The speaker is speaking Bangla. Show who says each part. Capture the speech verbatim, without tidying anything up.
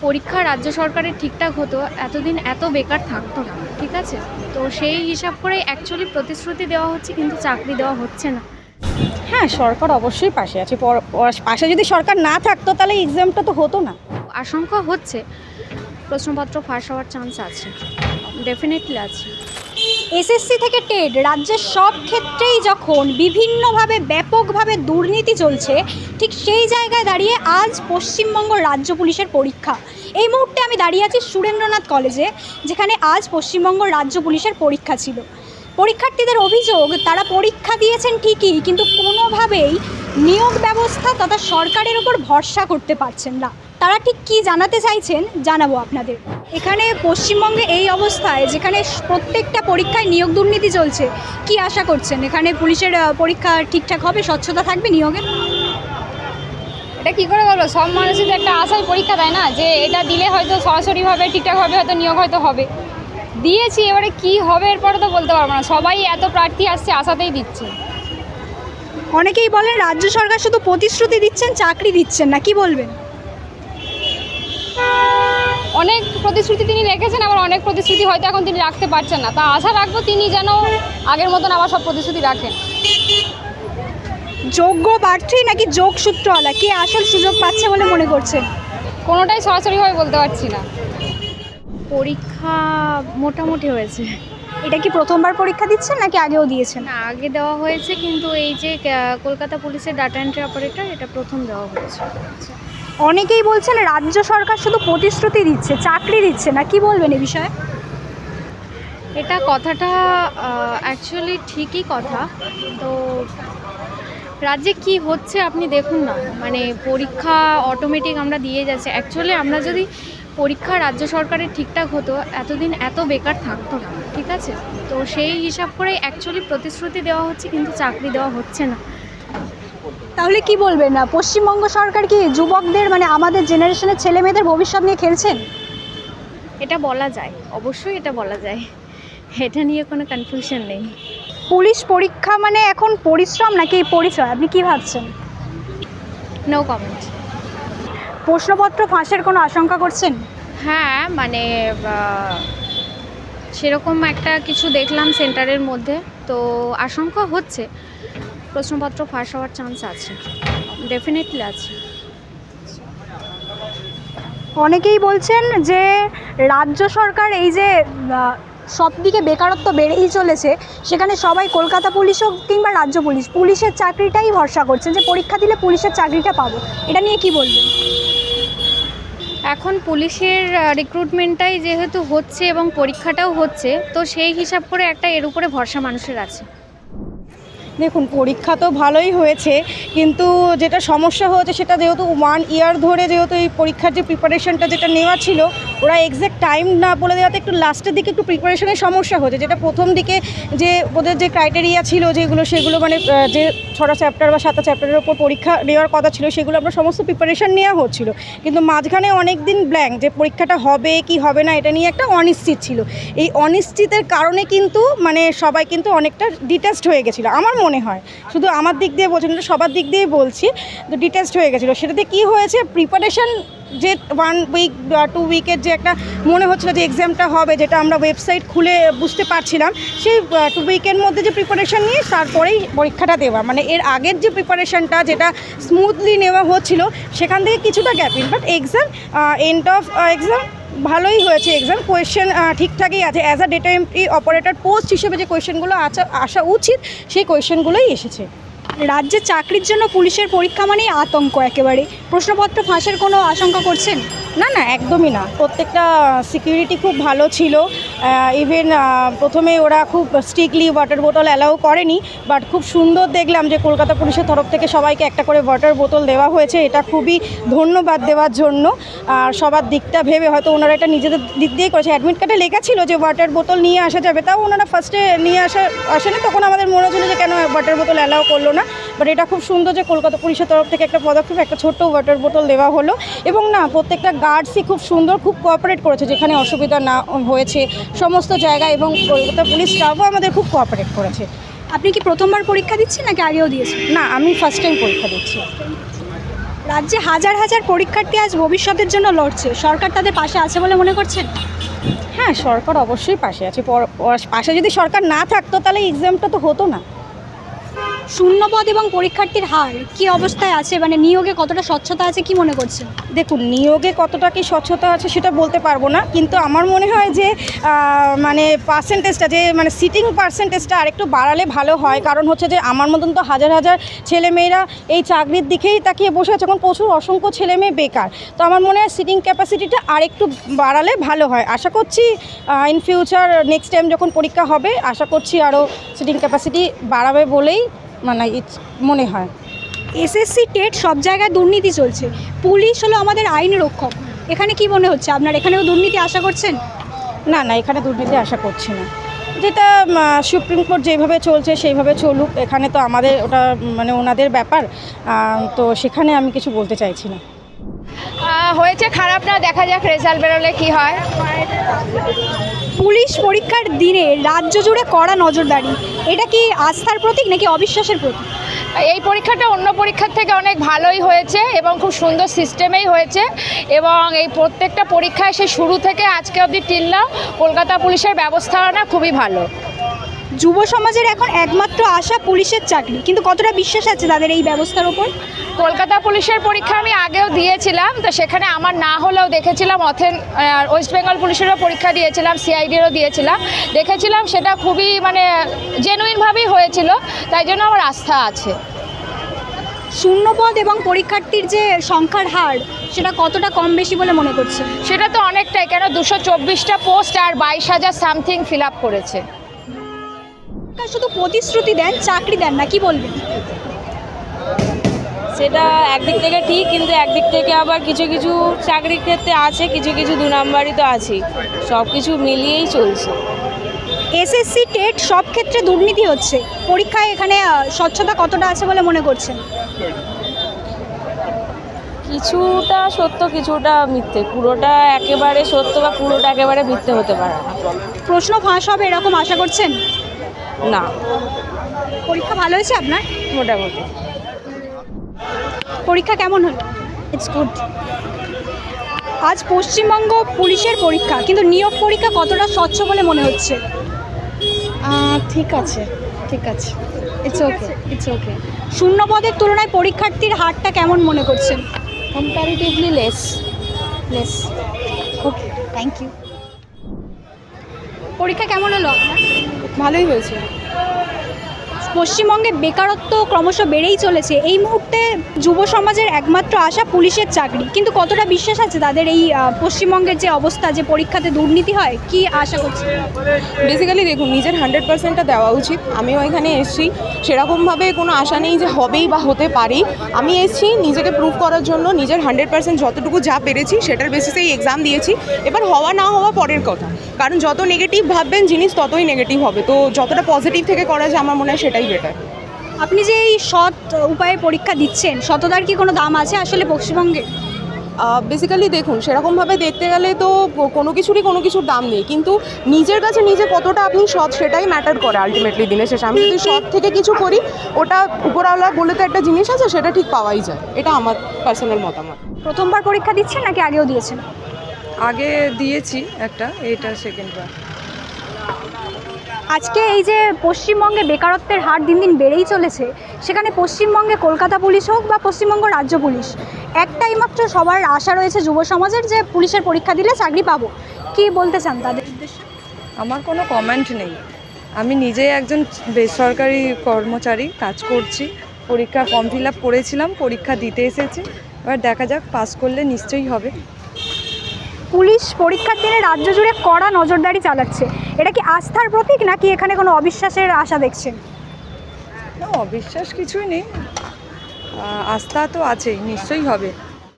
Speaker 1: পরীক্ষা রাজ্য সরকারের ঠিকঠাক হতো এতদিন এত বেকার থাকতো না, ঠিক আছে? তো সেই হিসাব করে অ্যাকচুয়ালি প্রতিশ্রুতি দেওয়া হচ্ছে কিন্তু চাকরি দেওয়া হচ্ছে না।
Speaker 2: হ্যাঁ, সরকার অবশ্যই পাশে আছে। পর- পর- পাশে যদি সরকার না থাকতো তাহলে এক্সামটা তো হতো না।
Speaker 1: আশঙ্কা হচ্ছে প্রশ্নপত্র ফাঁস হওয়ার চান্স আছে, ডেফিনেটলি আছে।
Speaker 3: এসএসসি থেকে টেট রাজ্যের সব ক্ষেত্রেই যখন বিভিন্নভাবে ব্যাপকভাবে দুর্নীতি চলছে, ঠিক সেই জায়গায় দাঁড়িয়ে আজ পশ্চিমবঙ্গ রাজ্য পুলিশের পরীক্ষা। এই মুহূর্তে আমি দাঁড়িয়ে আছি সুরেন্দ্রনাথ কলেজে, যেখানে আজ পশ্চিমবঙ্গ রাজ্য পুলিশের পরীক্ষা ছিল। পরীক্ষার্থীদের অভিযোগ, তারা পরীক্ষা দিয়েছেন ঠিকই, কিন্তু কোনোভাবেই নিয়োগ ব্যবস্থা তথা সরকারের ওপর ভরসা করতে পারছেন না। তারা ঠিক কী জানাতে চাইছেন জানাবো আপনাদের। এখানে পশ্চিমবঙ্গে এই অবস্থায়, যেখানে প্রত্যেকটা পরীক্ষায় নিয়োগ দুর্নীতি চলছে, কি আশা করছেন এখানে পুলিশের আহ, পরীক্ষা ঠিকঠাক হবে, স্বচ্ছতা থাকবে নিয়োগের?
Speaker 4: এটা কী করে বলবো, সব মানুষই তো একটা আশায় পরীক্ষা দেয় না, যে এটা দিলে হয়তো সরাসরিভাবে ঠিকঠাকভাবে হয়তো নিয়োগ হয়তো হবে। দিয়েছি, এবারে কি হবে এরপরে তো বলতে পারবো না। সবাই এত প্রার্থী আসছে, আশাতেই দিচ্ছে।
Speaker 3: অনেকেই বলেন রাজ্য সরকার শুধু প্রতিশ্রুতি দিচ্ছেন, চাকরি দিচ্ছেন না, কি বলবেন?
Speaker 4: অনেক প্রতিশ্রুতি তিনি রেখেছেন, আবার অনেক প্রতিশ্রুতি হয়তো এখন তিনি রাখতে পারছেন না। তা আশা রাখবো তিনি যেন আগের মতন আবার সব প্রতিশ্রুতি রাখেন।
Speaker 3: যোগ্য প্রার্থী নাকি যোগসূত্রওয়ালা, কে আসল সুযোগ পাচ্ছে বলে মনে করছেন?
Speaker 4: কোনোটাই সরাসরিভাবে বলতে পারছি না।
Speaker 1: পরীক্ষা মোটামুটি হয়েছে।
Speaker 3: এটা কি প্রথমবার পরীক্ষা দিচ্ছেন নাকি আগেও দিয়েছেন?
Speaker 1: না, আগে দেওয়া হয়েছে, কিন্তু এই যে আহ, কলকাতা পুলিশের ডাটা এন্ট্রি অপারেটর, এটা প্রথম দেওয়া হয়েছে।
Speaker 3: অনেকেই বলছেন রাজ্য সরকার শুধু প্রতিশ্রুতি দিচ্ছে, চাকরি দিচ্ছে না, কি বলবেন এ বিষয়ে?
Speaker 1: এটা কথাটা অ্যাকচুয়ালি ঠিকই কথা। তো রাজ্যে কি হচ্ছে আপনি দেখুন না, মানে পরীক্ষা অটোমেটিক আমরা দিয়ে যাচ্ছি। অ্যাকচুয়ালি আমরা যদি পরীক্ষা রাজ্য সরকারের ঠিকঠাক হতো এতদিন এত বেকার থাকতো না, ঠিক আছে? তো সেই হিসাব করে অ্যাকচুয়ালি প্রতিশ্রুতি দেওয়া হচ্ছে কিন্তু চাকরি দেওয়া হচ্ছে না।
Speaker 3: তাহলে কি বলবেন, না পশ্চিমবঙ্গ সরকার কি যুবকদের, মানে আমাদের জেনারেশনের ছেলে মেয়েদের ভবিষ্যৎ নিয়ে খেলছেন?
Speaker 1: এটা বলা যায়, অবশ্যই এটা বলা যায়, এটা নিয়ে কোনো কনফিউশন নেই।
Speaker 3: পুলিশ পরীক্ষা মানে এখন পরিশ্রম নাকি পরিচয়, আপনি কি ভাবছেন?
Speaker 1: No comment.
Speaker 3: প্রশ্নপত্র ফাঁসের কোনো আশঙ্কা করছেন?
Speaker 1: হ্যাঁ, মানে আহ, সেরকম একটা কিছু দেখলাম সেন্টারের মধ্যে, তো আশঙ্কা হচ্ছে প্রশ্নপত্র ফাঁস হওয়ার চান্স আছে, ডেফিনেটলি আছে।
Speaker 3: অনেকেই বলছেন যে রাজ্য সরকার এই যে আহ, সব দিকে বেকারত্ব বেড়েই চলেছে, সেখানে সবাই কলকাতা পুলিশ হোক কিংবা রাজ্য পুলিশ, পুলিশের চাকরিটাই ভরসা করছেন, যে পরীক্ষা দিলে পুলিশের চাকরিটা পাবো। এটা নিয়ে কি বলবেন?
Speaker 1: এখন পুলিশের রিক্রুটমেন্টটাই যেহেতু হচ্ছে এবং পরীক্ষাটাও হচ্ছে, তো সেই হিসাব করে একটা এর উপরে ভরসা মানুষের আছে।
Speaker 2: দেখুন, পরীক্ষা তো ভালোই হয়েছে, কিন্তু যেটা সমস্যা হয়েছে সেটা যেহেতু ওয়ান ইয়ার ধরে যেহেতু এই পরীক্ষার যে প্রিপারেশনটা যেটা নেওয়া ছিল, ওরা এক্স্যাক্ট টাইম না বলে দেওয়াতে একটু লাস্টের দিকে একটু প্রিপারেশনের সমস্যা হয়েছে। যেটা প্রথম দিকে যে ওদের যে ক্রাইটেরিয়া ছিল যেগুলো, সেগুলো মানে আহ, যে ছটা চ্যাপ্টার বা সাতটা চ্যাপ্টারের ওপর পরীক্ষা নেওয়ার কথা ছিল, সেগুলো আমরা সমস্ত প্রিপারেশন নেওয়া হচ্ছিল, কিন্তু মাঝখানে অনেক দিন ব্ল্যাঙ্ক, যে পরীক্ষাটা হবে কি হবে না এটা নিয়ে একটা অনিশ্চিত ছিল। এই অনিশ্চিতের কারণে কিন্তু মানে সবাই কিন্তু অনেকটা ডিটাচড হয়ে গেছিলো আমার মনে হয়। শুধু আমার দিক দিয়ে বলছি না, সবার দিক দিয়েই বলছি, তো ডিটাচড হয়ে গেছিলো। সেটাতে কী হয়েছে, প্রিপারেশন যে ওয়ান উইক টু উইকের যে একটা মনে হচ্ছিল যে এক্সামটা হবে, যেটা আমরা ওয়েবসাইট খুলে বুঝতে পারছিলাম, সেই টু উইকের মধ্যে যে প্রিপারেশন নিয়ে তারপরেই পরীক্ষাটা দেওয়া, মানে এর আগের যে প্রিপারেশনটা যেটা স্মুথলি নেওয়া হচ্ছিল, সেখান থেকে কিছুটা gapping, but exam end of exam ভালোই হয়েছে। এক্সাম কোয়েশ্চেন ঠিকঠাকই আছে। As a data entry operator post হিসেবে যে কোয়েশ্চেনগুলো আসা আসা উচিত, সেই কোয়েশ্চেনগুলোই এসেছে।
Speaker 3: রাজ্যে চাকরির জন্য পুলিশের পরীক্ষা মানেই আতঙ্ক একেবারে। প্রশ্নপত্র ফাঁসের কোনো আশঙ্কা করছেন?
Speaker 2: না না, একদমই না। প্রত্যেকটা সিকিউরিটি খুব ভালো ছিল। ইভেন প্রথমে ওরা খুব স্ট্রিক্টলি ওয়াটার বোতল অ্যালাউ করেনি, বাট খুব সুন্দর দেখলাম যে কলকাতা পুলিশের তরফ থেকে সবাইকে একটা করে ওয়াটার বোতল দেওয়া হয়েছে। এটা খুবই ধন্যবাদ দেওয়ার জন্য। আর সবার দিকটা ভেবে হয়তো ওনারা এটা নিজেদের দিক দিয়েই করেছে। অ্যাডমিট কার্ডে লেখা ছিল যে ওয়াটার বোতল নিয়ে আসা যাবে, তাও ওনারা ফার্স্টে নিয়ে আসা আসেনি, তখন আমাদের মনে হচ্ছিল যে কেন ওয়াটার বোতল অ্যালাউ করলো না। বাট এটা খুব সুন্দর যে কলকাতা পুলিশের তরফ থেকে একটা পদক্ষেপ, একটা ছোট্ট ওয়াটার বোতল দেওয়া হলো। এবং না, প্রত্যেকটা গার্ডসই খুব সুন্দর, খুব কোঅপারেট করেছে, যেখানে অসুবিধা না হয়েছে সমস্ত জায়গায়, এবং কলকাতা পুলিশ স্টাফও আমাদের খুব কোঅপারেট করেছে।
Speaker 3: আপনি কি প্রথমবার পরীক্ষা দিচ্ছেন নাকি আগেও দিয়েছেন?
Speaker 2: না, আমি ফার্স্ট টাইম পরীক্ষা দিচ্ছি।
Speaker 3: রাজ্যে হাজার হাজার পরীক্ষার্থী আজ ভবিষ্যতের জন্য লড়ছে, সরকার তাদের পাশে আছে বলে মনে করছেন?
Speaker 2: হ্যাঁ, সরকার অবশ্যই পাশে আছে। পর- পর- পাশে যদি সরকার না থাকতো তাহলে এক্সামটা তো হতো না।
Speaker 3: শূন্যপদ এবং পরীক্ষার্থীর হার কি অবস্থায় আছে, মানে নিয়োগে কতটা স্বচ্ছতা আছে কি মনে করছেন?
Speaker 2: দেখুন, নিয়োগে কতটা কি স্বচ্ছতা আছে সেটা বলতে পারবো না, কিন্তু আমার মনে হয় যে আহ, মানে পার্সেন্টেজটা, যে মানে সিটিং পার্সেন্টেজটা আরেকটু বাড়ালে ভালো হয়। কারণ হচ্ছে যে আমার মতন তো হাজার হাজার ছেলেমেয়েরা এই চাকরির দিকেই তাকিয়ে বসে আছে, এখন প্রচুর অসংখ্য ছেলেমেয়ে বেকার। তো আমার মনে হয় সিটিং ক্যাপাসিটিটা আরেকটু বাড়ালে ভালো হয়। আশা করছি ইন ফিউচার নেক্সট টাইম যখন পরীক্ষা হবে, আশা করছি আরও সিটিং ক্যাপাসিটি বাড়াবে বলেই মানে ইটস মনে হয়।
Speaker 3: এসএসসি টেট সব জায়গায় দুর্নীতি চলছে, পুলিশ হলো আমাদের আইন রক্ষক, এখানে কি মনে হচ্ছে আপনার, এখানেও দুর্নীতি আশা করছেন?
Speaker 2: না না, এখানে দুর্নীতি আশা করছি না। যেটা উম, সুপ্রিম কোর্ট যেভাবে চলছে সেইভাবে চলুক, এখানে তো আমাদের ওটা উম, মানে ওনাদের ব্যাপার। আহ, তো সেখানে আমি কিছু বলতে চাইছি না।
Speaker 4: আহ, হয়েছে খারাপ না, দেখা যাক রেজাল্ট বেরোলে কি হয়।
Speaker 3: পুলিশ পরীক্ষার দিনে রাজ্য জুড়ে কড়া নজরদারি, এটা কি আস্থার প্রতীক নাকি অবিশ্বাসের প্রতীক?
Speaker 4: এই পরীক্ষাটা অন্য পরীক্ষার থেকে অনেক ভালোই হয়েছে এবং খুব সুন্দর সিস্টেমেই হয়েছে, এবং এই প্রত্যেকটা পরীক্ষায় সে শুরু থেকে আজকে অবধি টিল্লা কলকাতা পুলিশের ব্যবস্থাপনা খুবই ভালো।
Speaker 3: যুব সমাজের এখন একমাত্র আশা পুলিশের চাকরি, কিন্তু কতটা বিশ্বাস আছে তাদের এই ব্যবস্থার ওপর?
Speaker 4: কলকাতা পুলিশের পরীক্ষা আমি আগেও দিয়েছিলাম, তো সেখানে আমার না হলেও দেখেছিলাম অথেন ওয়েস্ট বেঙ্গল পুলিশেরও পরীক্ষা দিয়েছিলাম, সিআইডিরও দিয়েছিলাম, দেখেছিলাম সেটা খুবই মানে জেনুইনভাবেই হয়েছিল, তাই জন্য আমার আস্থা আছে।
Speaker 3: শূন্যপদ এবং পরীক্ষার্থীর যে সংখ্যার হার, সেটা কতটা কম বেশি বলে মনে করছে?
Speaker 4: সেটা তো অনেকটাই, কেন দুশো চব্বিশটা পোস্ট আর বাইশ হাজার সামথিং ফিল আপ করেছে।
Speaker 3: শুধু প্রতিশ্রুতি দেন, চাকরি দেন না, কি বলবেন?
Speaker 5: সেটা একদিক থেকে ঠিক, কিন্তু একদিক থেকে আবার কিছু কিছু চাকরির ক্ষেত্রে আছে, কিছু কিছু দু নাম্বারই তো আছেই, সব কিছু মিলিয়েই চলছে।
Speaker 3: এসএসসি টেট সব ক্ষেত্রে দুর্নীতি হচ্ছে, পরীক্ষায় এখানে আহ, স্বচ্ছতা কতটা আছে বলে মনে করছেন?
Speaker 5: কিছুটা সত্য, কিছুটা মিথ্যে, পুরোটা একেবারে সত্য বা পুরোটা একেবারে মিথ্যে হতে পারে না।
Speaker 3: প্রশ্ন ফাঁস হবে এরকম আশা করছেন?
Speaker 5: না,
Speaker 3: পরীক্ষা ভালো হয়েছে আপনার?
Speaker 5: মোটামুটি।
Speaker 3: পরীক্ষা কেমন হলো?
Speaker 2: It's good.
Speaker 3: আজ পশ্চিমবঙ্গ পুলিশের পরীক্ষা, কিন্তু নিয়োগ পরীক্ষা কতটা স্বচ্ছ বলে মনে হচ্ছে?
Speaker 2: ঠিক আছে, ঠিক আছে, ইটস ওকে, ইটস ওকে।
Speaker 3: শূন্যপদের তুলনায় পরীক্ষার্থীর হারটা কেমন মনে করছেন?
Speaker 5: Comparatively less.
Speaker 3: Less. Okay, thank you. পরীক্ষা কেমন হলো আপনার?
Speaker 2: ভালোই হয়েছে।
Speaker 3: পশ্চিমবঙ্গে বেকারত্ব ক্রমশ বেড়েই চলেছে, এই মুহূর্তে যুব সমাজের একমাত্র আশা পুলিশের চাকরি, কিন্তু কতটা বিশ্বাস আছে তাদের এই আহ, পশ্চিমবঙ্গের যে অবস্থা, যে পরীক্ষাতে দুর্নীতি হয়, কি আশা করছে?
Speaker 6: বেসিক্যালি দেখুন, নিজের হান্ড্রেড পার্সেন্টটা দেওয়া উচিত। আমিও এখানে এসেছি, সেরকমভাবে কোনো আশা নেই যে হবেই বা হতে পারি। আমি এসেছি নিজেকে প্রুভ করার জন্য, নিজের হান্ড্রেড পার্সেন্ট যতটুকু যা পেরেছি সেটার বেসিসেই এক্সাম দিয়েছি। এবার হওয়া না হওয়া পরের কথা, কারণ যত নেগেটিভ ভাববেন জিনিস ততই নেগেটিভ হবে। তো যতটা পজিটিভ থেকে করা যায় আমার মনে হয় সেটাই বেটার।
Speaker 3: আপনি যে এই সৎ উপায়ে পরীক্ষা দিচ্ছেন, সততার কি কোনো দাম আছে আসলে পশ্চিমবঙ্গে?
Speaker 6: বেসিক্যালি দেখুন, সেরকমভাবে দেখতে গেলে তো কোনো কিছুরই কোনো কিছুর দাম নেই, কিন্তু নিজের কাছে নিজে কতটা আপনি সৎ সেটাই ম্যাটার করে আলটিমেটলি দিনের শেষে। আমি যদি সৎ থেকে কিছু করি, ওটা উপরওয়ালা বলে তো একটা জিনিস আছে, সেটা ঠিক পাওয়াই যায়। এটা আমার পার্সোনাল মতামত।
Speaker 3: প্রথমবার পরীক্ষা দিচ্ছেন নাকি আগেও দিয়েছেন?
Speaker 7: আগে দিয়েছি একটা, এইটা সেকেন্ডবার।
Speaker 3: আজকে এই যে পশ্চিমবঙ্গে বেকারত্বের হার দিন দিন বেড়েই চলেছে, সেখানে পশ্চিমবঙ্গে কলকাতা পুলিশ হোক বা পশ্চিমবঙ্গ রাজ্য পুলিশ, একটাই মাত্র সবার আশা রয়েছে যুব সমাজের, যে পুলিশের পরীক্ষা দিলে চাকরি পাবো। কি বলতে চান তাদের উদ্দেশ্যে?
Speaker 7: আমার কোনো কমেন্ট নেই। আমি নিজেই একজন বেসরকারি কর্মচারী, কাজ করছি, পরীক্ষা ফর্ম ফিল আপ করেছিলাম, পরীক্ষা দিতে এসেছি, এবার দেখা যাক, পাস করলে নিশ্চয়ই হবে।
Speaker 3: পুলিশ পরীক্ষার দিনে রাজ্য জুড়ে কড়া নজরদারি চালাচ্ছে, এটা কি আস্থার প্রতীক নাকি এখানে কোনো অবিশ্বাসের আশা দেখছেন?
Speaker 7: না, অবিশ্বাস কিছুই নেই, আহ, আস্থা তো আছেই, নিশ্চয়ই হবে।